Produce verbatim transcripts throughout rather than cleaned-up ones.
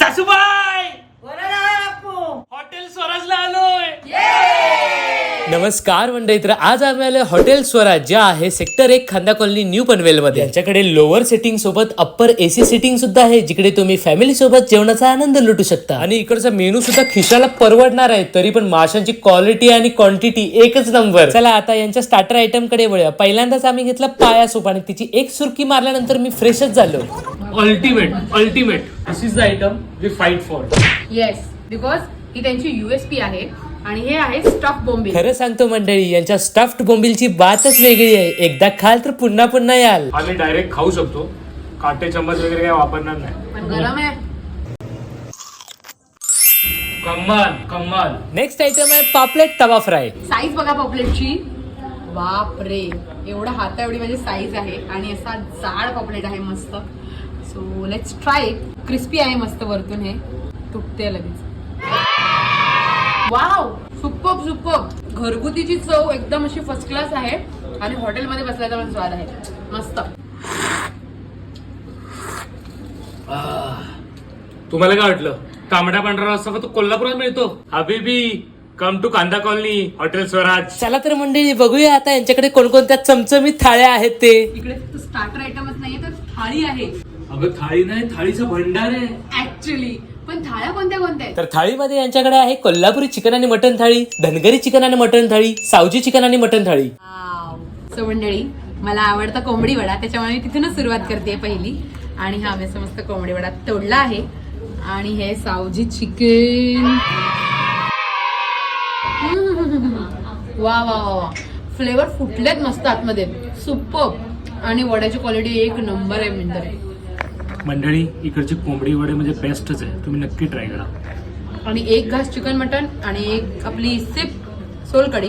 सासूबाई हॉटेल स्वराजला आलोय. नमस्कार मंडळी, तर आज आम्ही आलोय हॉटेल स्वराज जे आहे सेक्टर एक खांदा कॉलनी न्यू पनवेल मध्ये. यांच्याकडे लोअर सिटिंग सोबत अप्पर एसी सिटिंग सुद्धा आहे, जिकडे तुम्ही फॅमिली सोबत जेवणाचा आनंद लुटू शकता. आणि इकडचा मेनू सुद्धा खिशाला परवडणार आहे, तरी पण माशांची क्वालिटी आणि क्वांटिटी एकच नंबर. चला आता यांच्या स्टार्टर आयटम कडे वळूया. पहिल्यांदाच आम्ही घेतला पाया सूप आणि तिची एक सुरकी मारल्यानंतर मी फ्रेशच झालो. Ultimate ultimate this is the item we fight for. Yes, because ही त्यांची युएसपी आहे आणि हे आहे स्टफ बोंबील. खरं सांगतो मंडळी, यांच्या स्टफ्ड बोंबीलची बातच वेगळी आहे. एकदा खाल तर पुन्हा पुन्हा याल. आम्ही डायरेक्ट खाऊ शकतो, काटे चम्मच वगैरे काय वापरणार नाही. पण गरम आहे. कमाल कमाल. नेक्स्ट आयटम आहे पापलेट तवा फ्राय. साईज बघा पॉपलेटची, बाप रे, एवढा हाता एवढी माझी साईज आहे आणि असा जाड पॉपलेट आहे मस्त. So let's try it. Crispy आहे मस्त, वरतून हे तुटते लगेच. Wow, superb superb. घरगुतीची चव एकदम अशी फर्स्ट क्लास आहे आणि हॉटेलमध्ये बसल्याचा पण स्वाद आहे मस्त. तुम्हाला काय वाटलं? तांबडा पांढरा रस्सा तो कोल्हापुरात मिळतो. हबीबी come to Kanda colony hotel Swaraj. चला तर मंडळी बघूया आता यांच्याकडे कोणकोणत्या चमचमीत थाळ्या आहेत ते. इकडे फक्त स्टार्टर आयटमच नाहीये तर थाळी आहे. अगं थाळी नाही, थाळीचा भंडार आहे ऍक्च्युली. पण थाळ्या कोणत्या कोणत्या आहेत? तर थाळीमध्ये यांच्याकडे आहे कोल्हापुरी चिकन आणि मटन थाळी, धनगरी चिकन आणि मटन थाळी, सावजी चिकन आणि मटन थाळी. सो मंडळी, मला आवडता कोंबडी वडा, त्याच्यामुळे मी तिथूनच सुरुवात करते पहिली. आणि हा मी मस्त कोंबडी वडा तोडला आहे आणि हे सावजी चिकन. वा वा वा, फ्लेवर फुटलेत मस्त आतमध्ये, सुपर्ब. आणि वड्याची क्वालिटी एक नंबर आहे मिळते. मंडळी, इकडची कोंबडी वडे म्हणजे बेस्टच आहे, तुम्ही नक्की ट्राय करा. आणि एक घास चिकन मटन आणि एक आपली सिप सोलकढी.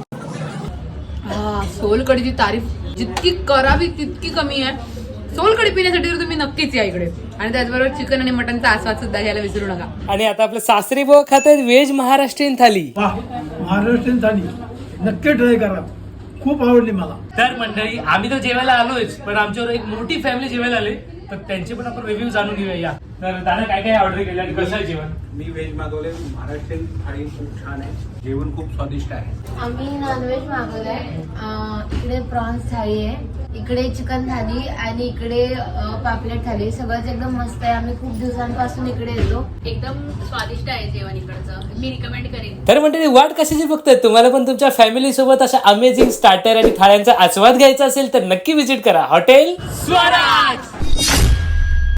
हा, सोलकढीची तारीफ जितकी करावी तितकी कमी आहे. सोलकढी पिण्यासाठी तर तुम्ही नक्कीच या इकडे. आणि त्याचबरोबर चिकन आणि मटनचा आस्वाद सुद्धा घ्यायला विसरू नका. आणि आता आपलं सासरी भाऊ खात आहेत व्हेज महाराष्ट्रीयन थाली. महाराष्ट्रीयन थाली नक्की ट्राय करा, खूप आवडली मला. तर मंडळी, आम्ही तर जेवायला आलोयच, पण आमच्यावर एक मोठी फॅमिली जेवायला आली, तर त्यांचे पण आपण रिव्ह्यू जाणून घेऊया. या तर दादा काय काय ऑर्डर केलं आणि कसं आहे जेवण? मी व्हेज मागवले. महाराष्ट्रीयन थाळी खूप छान आहे, जेवण खूप स्वादिष्ट आहे. आम्ही नॉनव्हेज मागवलंय. अं, इकडे प्रॉन्स थाळी आहे, इकडे चिकन थाली आणि इकडे अं, पापलेट थाली. सगळंच एकदम मस्त आहे. आम्ही खूप दिवसांपासून इकडे येतो. एकदम स्वादिष्ट आहे जेवण इकडचं, मी रिकमेंड करेन. तर मंडळी, वाट कशाची बघताय? तुम्हाला पण तुमच्या फॅमिली सोबत अशा अमेझिंग स्टार्टर आणि थाळ्यांचा आस्वाद घ्यायचा असेल तर नक्की विजिट करा हॉटेल स्वराज.